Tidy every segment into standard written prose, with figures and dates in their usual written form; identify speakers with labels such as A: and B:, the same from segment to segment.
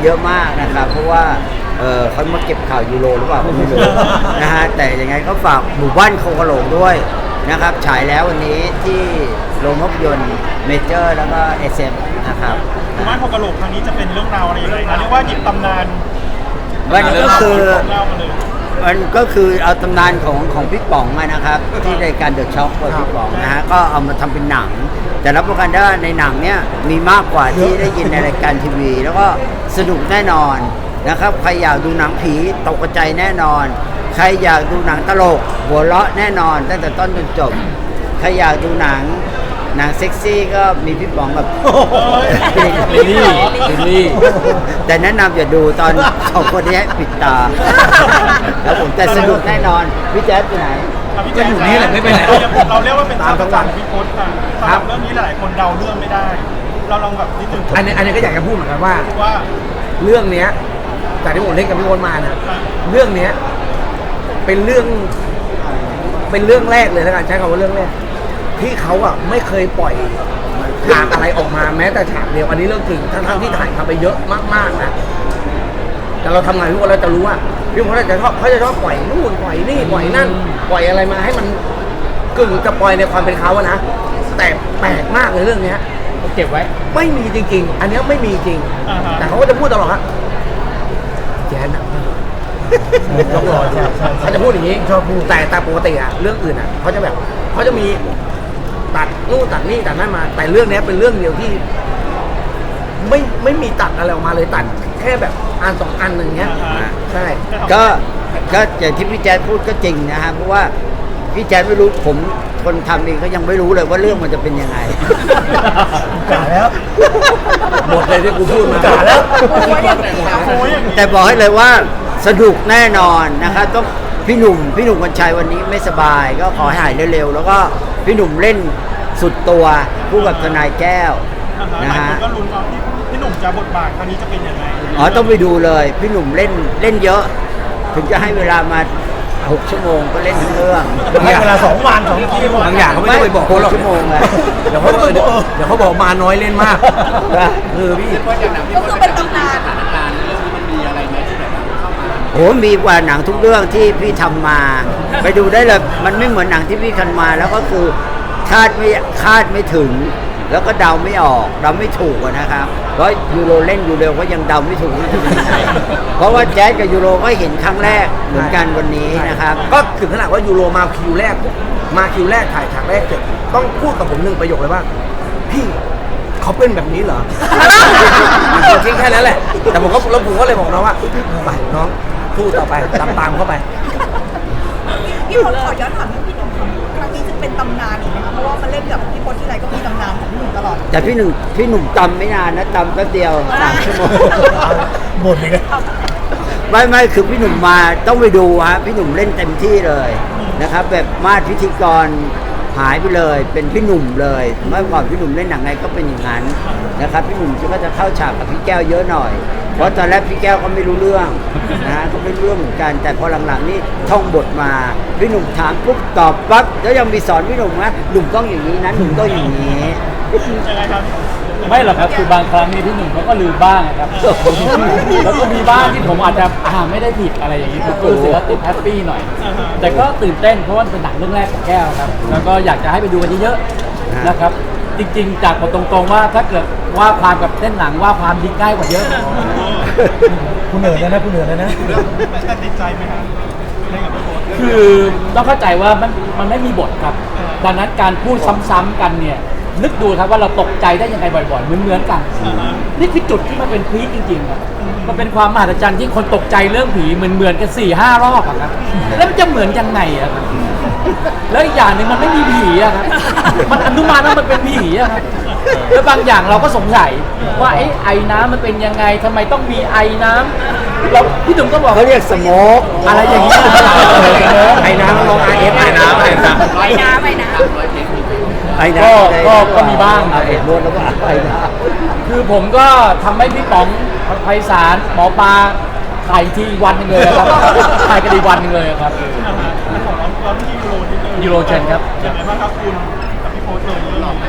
A: เยอะมากนะครับเพราะว่าเขามาเก็บข่าวยูโรหรือเปล่าไม่รู้นะฮะแต่ยังไงก็ฝากหมู่บ้านโคกะโหลกด้วยนะครับฉายแล้ววันนี้ที่โรงภาพยนตร์เมเจอร์แล้วก็ SM นะครับ
B: หมู่บ้านโคกะโหลกครั้งนี้จะเป็นเรื่องราวอะไรยังไงคะเรียกว่าหยิบตำนาน
A: มันก็คือ
B: เล่ามาเลย
A: มันก็คือเอาตำนานของพี่ป๋องนะครับที่รายการเดอะช็อคของพี่ป๋องนะฮะก็เอามาทำเป็นหนังแต่รับประกันได้ว่าในหนังเนี้ยมีมากกว่าที่ได้ยินในรายการทีวีแล้วก็สนุกแน่นอนนะครับใครอยากดูหนังผีตกใจแน่นอนใครอยากดูหนังตลกหัวเราะแน่นอนตั้งแต่ต้นจนจบใครอยากดูหนังเซ็กซี่ก็มีพี่ป๋องแบบ
C: ลิลลี่
A: แต่แนะนำอย่าดูตอนสองคนนี้ปิดตาแล้วผมแต่สนุกแน่นอนพี่แจ๊ดไปไหน
B: ก็อยู่นี่แหละไม่ไปไหนเราเรียกว่าเป็นตามจังหวะพี่พศค่ะสำหรับเรื่องนี้หลายคนเดาเรื่องไม่ได้เราลองแบบนิดนึง
C: อันนี้ก็อยากจะพูดเหมือนกันว่าเรื่องเนี้ยจากที่ผมเล่นกับพี่พศมานะเรื่องเนี้ยเป็นเรื่องแรกเลยแล้วกันใช้คำว่าเรื่องแรกที่เขาอ่ะไม่เคยปล่อยฉากอะไรออกมาแม้แต่ฉากเดียวอันนี้เรื่องจริงทั้งที่ถ่ายทำไปเยอะมากๆนะแต่เราทำงานพี่พศเราจะรู้ว่าพี่พศเขาจะชอบปล่อยนู่นปล่อยนี่ปล่อยนั่นปล่อยอะไรมาให้มันกึ่งจะปล่อยในความเป็นเขาอะนะแต่แปลกมากเลยเรื่องเนี้ย
D: เก็บไว้
C: ไม่มีจริงๆอันนี้ไม่มีจริงแต่เขาก็จะพูดตลอดฮะแจ๊นนะเขาจะพูดอย่างนี้ชอบพูดแต่ปกติอะเรื่องอื่นอะเขาจะมีตัดนู่นตัดนี่ตัดนั่นมาแต่เรื่องนี้เป็นเรื่องเดียวที่ไม่มีตัดอะไรออกมาเลยตัดแค่แบบอันสองอันหนึ่งเงี้ยใช่
A: ก็อย่างที่พี่แจ๊ดพูดก็จริงนะฮะเพราะว่าพี่แจ๊ดไม่รู้ผมคนทำเองก็ยังไม่รู้เลยว่าเรื่องมันจะเป็นยังไง
C: กาแล้วหมดเลยที่กูพูดมากาแล้ว
A: แต่บอกให้เลยว่าสนุกแน่นอนนะครับต้องพี่หนุ่มกัญชัยวันนี้ไม่สบายก็ขอให้หายเร็วๆแล้วก็พี่หนุ่มเล่นสุดตัวคู่กับทนายแก้วนะฮะ
B: ก็ลุ้นว่าพี่หนุ่มจะบทบาทครั้งนี้จะเป็นยังไง
A: ต้องไปดูเลยพี่หนุ่มเล่นเยอะถึงจะให้เวลามา6 ชั่วโมงก็เล่นทั้งเรื่อง
C: ให้เวลา2 วัน2 ทีบางอย่างเขาไม่ต้องไปบอกคนหรอก
A: ชั่วโมงเลย
C: เดี๋ยวเขาบอกมาน้อยเล่นมากพี่
E: ก็คือเป็นตำนานสถานการณ์เรื่องนี้มันมีอะไรไหมที่แบบเข้ามา
A: โหมีกว่าหนังทุกเรื่องที่พี่ทำมาไปดูได้เลยมันไม่เหมือนหนังที่พี่ทำมาแล้วก็คือคาดไม่ถึงแล้วก็เดาไม่ออกเดาไม่ถูกนะครับเพราะยูโรเล่นยูโรก็ยังเดาไม่ถูกเพราะว่าแจ๊สกับยูโรก็เห็นครั้งแรกเหมือนกันวันนี้นะครับ
C: ก็ถึงขนาดว่ายูโรมาคิวแรกถ่ายฉากแรกเสร็จต้องพูดกับผม1 ประโยคเลยว่าพี่เขาเป็นแบบนี้เหรอทิ้งแค่นั้นแหละแต่ผมก็เลยบอกน้องว่าไปน้องพูดต่อไปตามเข้าไป
E: พี่พศขอย้อนถามเรื่องพี่หนุ่มครั้งนี้จะเป็นตำนานอีกไหมคะเพราะว่ามันเล่นกับพี่พศที่ไรก็มีตำนานของพี่หนุ่มตลอด
A: แต่พี่หนุ่มจำไม่นานนะจำแป๊บเดียว3 ชั่วโมง
C: หมดเลย
A: ไม่คือพี่หนุ่มมาต้องไปดูฮะพี่หนุ่มเล่นเต็มที่เลยนะครับแบบมาพิธีกรหายไปเลยเป็นพี่หนุ่มเลยเมื่อก่อนพี่หนุ่มเล่นหนังไงก็เป็นอย่างนั้นนะครับพี่หนุ่มก็จะเข้าฉากกับพี่แก้วเยอะหน่อยเพราะตอนแรกพี่แก้วก็ไม่รู้เรื่องนะฮะก็ไม่รู้เรื่องเหมือนกันแต่พอหลังๆนี่ท่องบทมาพี่หนุ่มถามปุ๊บตอบปั๊บแล้วยังมีสอนพี่หนุ่มนะหนุ่มต้องอย่างนี้นะหนุ่มต้องอย่างนี้
B: ยังไงครับ
D: ไม่หรอกครับคือบางครั้งนี่พี่หนุ่มเขาก็ลืมบ้างครับแล้วก็มีบ้างที่ผมอาจจะไม่ได้ผิดอะไรอย่างนี้ผมก็รู้สึกว่าติดแฮปปี้หน่อยแต่ก็ตื่นเต้นเพราะว่าเป็นหนังเรื่องแรกของแก้วครับแล้วก็อยากจะให้ไปดูกันเยอะๆนะครับจริงๆจากตรงๆว่าถ้าเกิดว่าความกับเล่นหนังว่าความดีง่ายกว่าเยอะ
C: คุณเหนื่อยนะคุณเหนื่อยนะ
B: มันติดใจไหมครับ
D: คือต้องเข้าใจว่ามันไม่มีบทครับดังนั้นการพูดซ้ำๆกันเนี่ยนึกดูครับว่าเราตกใจได้ยังไงบ่อยๆเหมือนกันนี่คือจุดที่มันเป็นพีคจริงๆครับมันเป็นความมหัศจรรย์ที่คนตกใจเรื่องผีเหมือนกัน4-5 รอบครับแล้วมันจะเหมือนยังไงอะครับแล้วอีกอย่างหนึ่งมันไม่มีผีอะครับมันอนุมานว่ามันเป็นผีอะครับแล้วบางอย่างเราก็สงสัยว่าไอ้น้ำมันเป็นยังไงทำไมต้องมีไอ้น้ำเราพี่ตุ๋มก็บอก
A: เขาเรียกสโมก
D: อะไรอย่างนี้
C: ไอ้น้ำลองRSไอ้น้
D: ก็มีบ้าง
A: เอ็ดรวดแล้วก็ไอ้น้
D: ำคือผมก็ทำให้พี่ป๋องไพศาลหมอปลาถ่ายทีวันนึงเลยครับถ่ายกันอีกวันนึงเลยครับ
B: เราที่ยูโร
D: เชนครับ
B: อย่างไรบ้างครับคุณกับพี่โพสเลยเรื่อง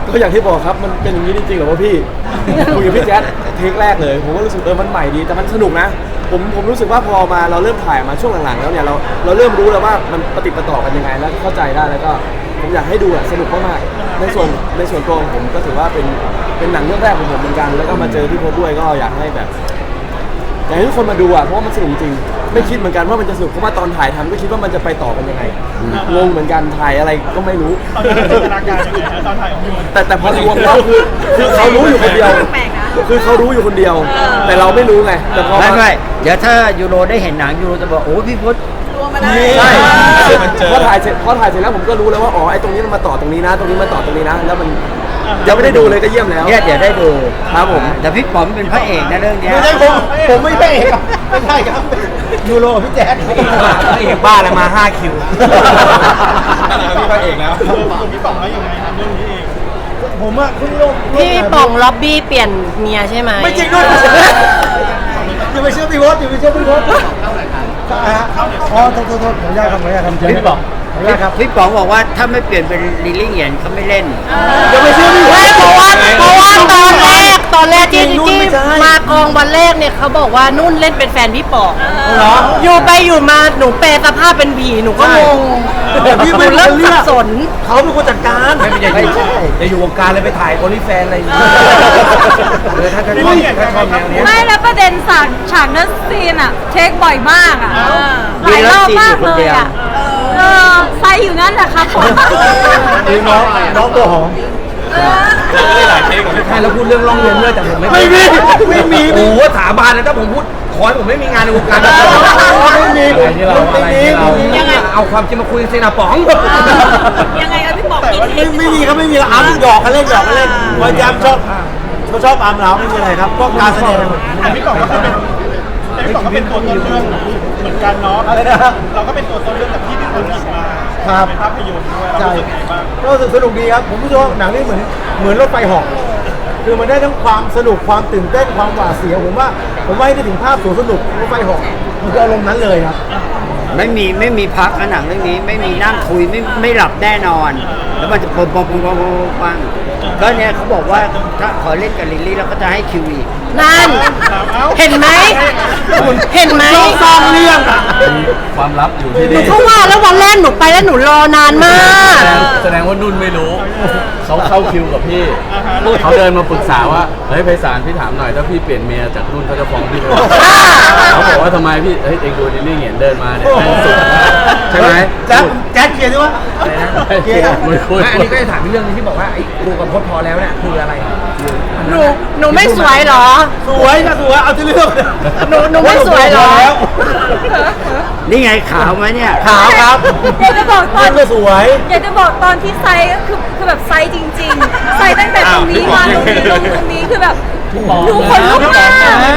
F: ก็อย่างที่บอกครับมันเป็นอย่างนี้จริงๆเหรอวะพี่ คุยกับพี่แจ๊ดเทคแรกเลยผมก็รู้สึกมันใหม่ดีแต่มันสนุกนะผมรู้สึกว่าพอมาเราเริ่มถ่ายมาช่วงหลังๆแล้วเนี่ยเราเริ่มรู้แล้วว่ามันปฏิปต่อกันยังไงแล้วเข้าใจได้แล้วก็ผมอยากให้ดูสนุกมากๆในส่วนตัวของผมก็ถือว่าเป็นหนังเรื่องแรกของผมเหมือนกันแล้วก็มาเจอพี่พจน์ด้วยก็อยากให้แบบอยากให้ทุกคนมาดูเพราะว่ามันสนุกจริงไม่คิดเหมือนกันว่ามันจะสนุกเพราะว่าตอนถ่ายทำก็คิดว่ามันจะไปต่อกันยังไงงงเหมือนกันถ่ายอะไรก็ไม่รู้
B: ตอนนั้นจินตนาการยังไงฮะตอนถ่ายของพี่พจน์
F: แต่พอรวมแล้วคือเขารู้อยู่คนเดียว
E: แปลกนะ
F: คือเขารู้อยู่คนเดียว แต่เราไม่รู้ไงแต่พอ
A: ไม่เดี๋ยวถ้ายูโรได้เห็นหนังยูโรจะบอกโอ้พี่พจน์
E: ตัวมาได้
F: ใช่พอถ่ายเสร็จแล้วผมก็รู้แล้วว่าอ๋อไอ้ตรงนี้มันมาต่อตรงนี้นะ ตรงนี้มาต่อตรงนี้นะ แล้วมันยังไม่ได้ดูเลยก็เยี่ยมแล้ว
A: เนี่ยเดี๋ยวได้ดู
F: ครับผม
A: แต่พี่ป๋อมเป็นพระเอกนะเรื่องเนี้ย
F: ไม่ใช่ผมไม่ใช่เอกไม่ใช่ครับยูโรพี่แจ๊ดเอกบ้าแล้วมา5คิวพี่พระเอกแล้ว
B: พี่ป๋องว่ายังไงครับเรื่องนี้เอง
F: ผมอะเพิ่งลง
G: พี่ป่องล็อบบี้เปลี่ยนเมียใช่ไหม
F: ไม่จริงด้วยอย่าไปเชื่อพี่วอสอย่าไปเชื่อพี่วอสอ๋อโทษขออนุญาตครับขออนุญาตครับ
A: พี่ป๋อง
F: ขออนุญาตครับ
A: พี่ป๋องบอกว่าถ้าไม่เปลี่ยนเป็นลิลลี่เหยียนเขาไม่เล่น
F: อย่าไปเชื่อพี่วอ
G: ไม่
F: ส
G: เพราะว่าตอนแรกที่
F: นุ่นไม่ใช่
G: มากองวันแรกเนี่ยเขาบอกว่านุ่นเล่นเป็นแฟนพี่ป๋อง
F: เหรอ
G: อยู่ไปอยู่มาหนูแปลสภาพเป็นผีหนูก็งง
F: แต่พี่
G: ห
F: ไม่
G: นู
F: เริ่
G: เริ่
F: ม
G: ม
F: เลื
G: สั
F: อบ ก
G: สน
F: เขาเป็นคนจัดการไม่ใช่
A: ไม่ใช่
C: จะอยู่วงการเลยไปถ่ายโอลิแฟนอะไรอย่างเงี้ยถ้าชอบแนวเนี้ย
H: ไม่แล้วประเด็นฉากนั้นซีนอะเทคบ่อยมากอะหลายรอบมากเลยอะไซอยู่นั่นแหละครับผม
F: คือน้องตัวหอม
C: หลายเทคใช่แล้วพูดเรื่องร้องเรียนด้วยแต่ผมไม่
F: ไม่มี
C: โอ้โหสาบานนะถ้าผมพูดขอให้ผมไม่มีงานในวงการไม่มียังไงเอาความจริงมาคุยกันสินะป๋อง
E: ยังไงพี่ป๋องกินเทค
F: ไม่มีครับไม่มีอาร์มหยอกกันเล่นพยายามชอบเขาชอบอาร์มเราไม่มีอะไรครับก็การแสดง
B: แต่พี่ป๋องก็เป็นตัวต้นเรื่องเหมือนกันเนาะเราก็เป็นตัวต้นเรื่องแบบที่พี่พจน์หยิบมาเป็นภาพยนตร์ด้วยเรารู้สึกไงบ้าง
F: ก็รู้สึกสนุกดีครับผมรู้สึกว่าหนังนี่เหมือนรถไฟเหาะคือมันได้ทั้งความสนุกความตื่นเต้นความหวาดเสียวผมว่าให้ได้ถึงภาพสวนสนุกรถไฟเหาะมันคืออารมณ์นั้นเลยครับ
A: ไม่มีพักนะหนังเรื่องนี้ไม่มีนั่งคุยไม่หลับแน่นอน แล้วมันจะปงปังก็เนี่ยเขาบอกว่าถ้าขอเล่นกับลิลลี่แล้วก็จะให้คิวอีก
G: นั่น เห็นไหมเห็นไหม
F: สร้างเรื่อง
C: ความลับอยู่ที่
G: หนู
C: นี่
G: เข้ามาแล้ววันแรกหนูไปแล้วหนูรอนานมาก
C: แสดงว่านุ่นไม่รู้เขาเข้าคิวกับพี่เขาเดินมาปรึกษาว่าเฮ้ยไพศาลพี่ถามหน่อยถ้าพี่เปลี่ยนเมียจากนุ่นเขาจะฟ้องพี่ไหมเขาบอกว่าทำไมพี่เฮ้ยเองดูดิลลี่เห็นเดินมาเนี่ยแม่งสุดใช่ไหม
F: แจ๊ดเคลียร์ด้วยว่า
C: เกียร์ไม่คุย
F: อันนี้ก็จะถามเรื่องนึงที่บอกว่าไอ้ครูกับพจน์พอแล้วเนี่ยคืออะไร
G: หนูไม่สวยเหรอ
F: สวยค่ะสวยเอาที่เรื่อง
G: หนูไม่สวยเหรอ
A: นี่ไงขาวไหมเนี่ย
F: ขาวครับ
H: อยากจะบอกตอน
F: ก็สวย
H: อยากจะบอกตอนที่ไซก็คือแบบไซจริงๆไซตั้งแต่ตรงนี้มาตรงนี้ลงตรงนี้คือแบบหนูขนลุกมาก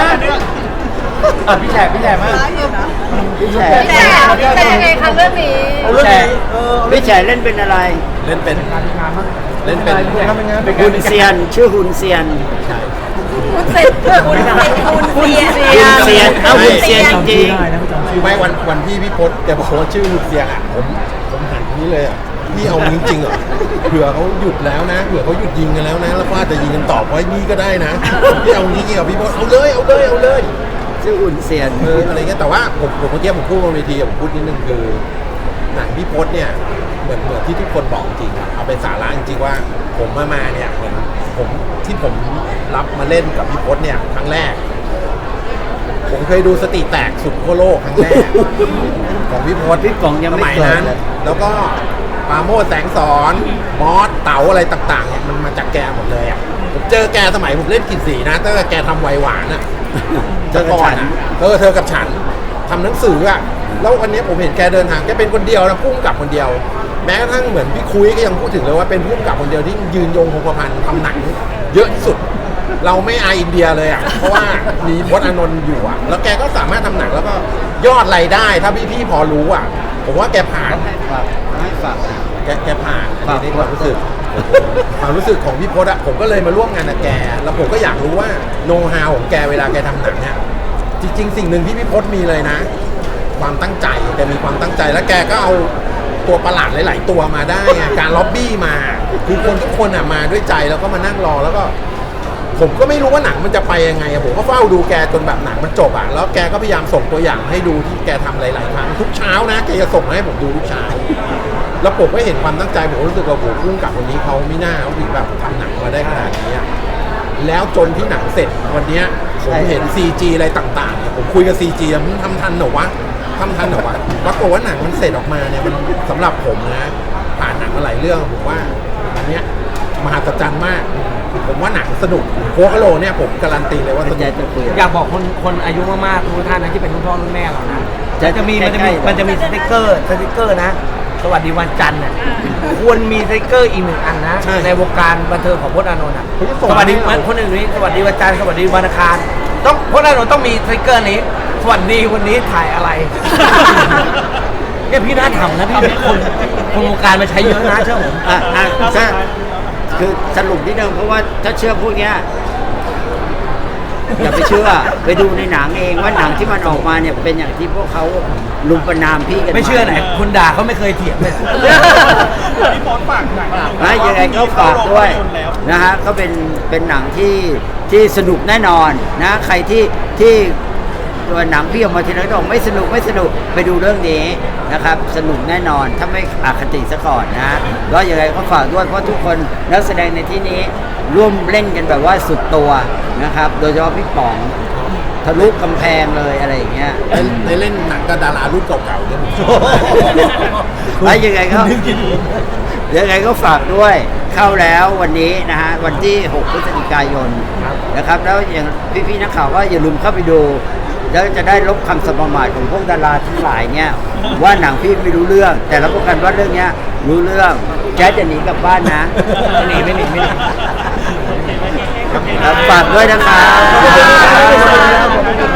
F: พี่แฉกมาก
E: ร้ายอยู่นะ
A: พี่แฉ
G: แต่ยังไงคะเรื่องนี้
F: เอาเรื่องนี้
A: พี่แฉเล่นเป็นอะไร
C: เล่นเป็น
A: ฮุนเซียนชื่อฮุนเซียน
H: คุณเสร็จคุณเสีย
A: ฮุนเซียนเอาฮุนเซียนจริง
I: ไม่วันที่พี่พศแกบอกว่าชื่อหุดเสียงอ่ะผมหันนี้เลยอ่ะพี่เอาจริงๆเหรอเผื่อเขาหยุดแล้วนะเผื่อเขาหยุดยิงกันแล้วนะแล้วก็อาจจะยิงกันต่อเพราะนี่ก็ได้นะพี่เอาจริงๆกับพี่พศเอาเลย
A: ๆชื่อฮุนเซียน
I: อะไรเงี้ยแต่ว่าผมเมื่อกี้ผมพูดบนเวทีผมพูดนิดนึงคือหนังพี่พศเนี่ยเหมือนที่ทุกคนบอกจริงเอาเป็นสาระจริงๆว่าผมมาเนี่ยเหมือนผมรับมาเล่นกับพี่พศเนี่ยครั้งแรก ผมเคยดูสติแตกสุดขั้วโลกครั้งแรก ของพี่พศ
A: พี่ป๋องยัง
I: ส
A: ไม่
I: มัย
A: เกิด
I: นั้น
A: เลย
I: แล้วก็ปราโมชแสงสอน มอสเต๋าอะไรต่างๆเนี่ยมันมาจากแกหมดเลยอ่ะผมเจอแกสมัยผมเล่นกินสีนะตั้งแต่แกทำไวหวานอ่ะ
A: เจอกับฉัน
I: เธอกับฉันทำหนังสืออ่ะแล้ววันนี้ผมเห็นแกเดินทางแกเป็นคนเดียวนะพุ่งกับคนเดียว แม้กระทั่งเหมือนพี่คุยก็ยังพูดถึงเลยว่าเป็นพุ่งกับคนเดียวที่ยืนยงคงกระพันทำหนังเยอะที่สุด เราไม่อายอินเดียเลยอ่ะ เพราะว่ามีพจน์อานนท์อยู่อ่ะ แล้วแกก็สามารถทำหนังแล้วก็ยอดรายได้ ถ้าพี่ๆพอรู้อ่ะ ผมว่าแกผ่าน
A: ให้ฝาก
I: แกผ่าน
A: ฝาก
I: ในความรู้สึกของพี่พจน์อะผมก็เลยมาร่วมงานกับแก แล้วผมก็อยากรู้ว่าโน้ตฮาวของแกเวลาแกทำหนังเนี่ยจริงๆสิ่งหนึ่งที่พี่พจน์มีเลยนะ ความตั้งใจแกมีความตั้งใจแล้วแกก็เอาตัวประหลาดหลายๆตัวมาได้ไงการล็อบบี้มาคือคนทุกคนอ่ะมาด้วยใจแล้วก็มานั่งรอแล้วก็ ผมก็ไม่รู้ว่าหนังมันจะไปยังไงอะผมก็เฝ้าดูแกจนแบบหนังมันจบอ่ะแล้วแกก็พยายามส่งตัวอย่างให้ดูที่แกทำหลายๆครั้งทุกเช้านะแกจะส่งมาให้ผมดูทุกเช้าแล้วผมก็เห็นความตั้งใจผมรู้สึกว่าโหพุ่งกับคนนี้เขาไม่น่าเขาถึงแบบทำหนังมาได้ขนาดนี้อะแล้วจนที่หนังเสร็จวันเนี้ยผมเห็น CG อะไรต่างๆเนี่ยผมคุยกับ CG แล้วมึงทำทันเหรอวะทำทันเหรอวะปรากฏว่าหนังมันเสร็จออกมาเนี่ยมันสำหรับผมนะผ่านหนังมาหลายเรื่องผมว่าอันเนี้ยมหัศจรรย์มากผมว่าหนังสนุกโคกะโลเนี่ยผมการันตีเลยว่าสนุก
C: อยากบอกคนอายุมากๆทุกท่านนะที่เป็นรุ่นพ่อรุ่นแม่เรานะจะมีมันจะมีสติ๊กเกอร์นะสวัสดีวันจันทร์น่ะควรมีสติ๊กเกอร์อีกหนึ่งอันนะในวงการบันเทิงของพจน์อานนท์อ่ะสวัสดีคนอื่นนี้สวัสดีวันจันทร์สวัสดีวันอังคารต้องพจน์อานนท์ต้องมีสติ๊กเกอร์นี้สวัสดีวันนี้ถ่ายอะไรเนี่ยพี่น่าทำนะพี่คนวงการมาใช้เยอะนะเชื่อผม
A: คือสรุปนิดนึงเพราะว่าถ้าเชื่อพวกเนี้ยอย่าไปเชื่อไปดูในหนังเองว่าหนังที่มันออกมาเนี่ยเป็นอย่างที่พวกเขาลุมประนามพี่กัน
C: ไม่เชื่อไหนคนด่าเขาไม่เคยเถียงเลย
B: พี่โพสต์ฝากหนัง
A: นะยังไงก็ฝากด้วยนะฮะก็เป็นหนังที่สนุกแน่นอนนะใครที่ตัวหนังพี่ออกมาทีนั้นก็บอกไม่สนุกไปดูเรื่องนี้นะครับสนุกแน่นอนถ้าไม่อคติซะก่อนนะก็ยังไงก็ฝากด้วยเพราะทุกคนนักแสดงในที่นี้ร่วมเล่นกันแบบว่าสุดตัวนะครับโดยเฉพาะพี่ป๋องทะลุกำแพงเลยอะไรอย่างเงี้ย
I: ได้เล่นหนังกับดารารุ่นเก่าๆเนี่ยผมชอบ
A: แล้วยังไงก็ฝากด้วยเข้าแล้ววันนี้นะฮะวันที่ 6 พฤศจิกายนนะครับแล้วอย่างพี่ๆนักข่าวก็อย่าลืมเข้าไปดูแล้วจะได้ลบคำสมมาทของพวกดาราทั้งหลายเนี่ยว่าหนังพี่ไม่รู้เรื่องแต่รับประกันว่าเรื่องเนี้ยรู้เรื่องแจ๊สจะหนีกลับบ้านนะไม่หนีฝากด้วยนะครับ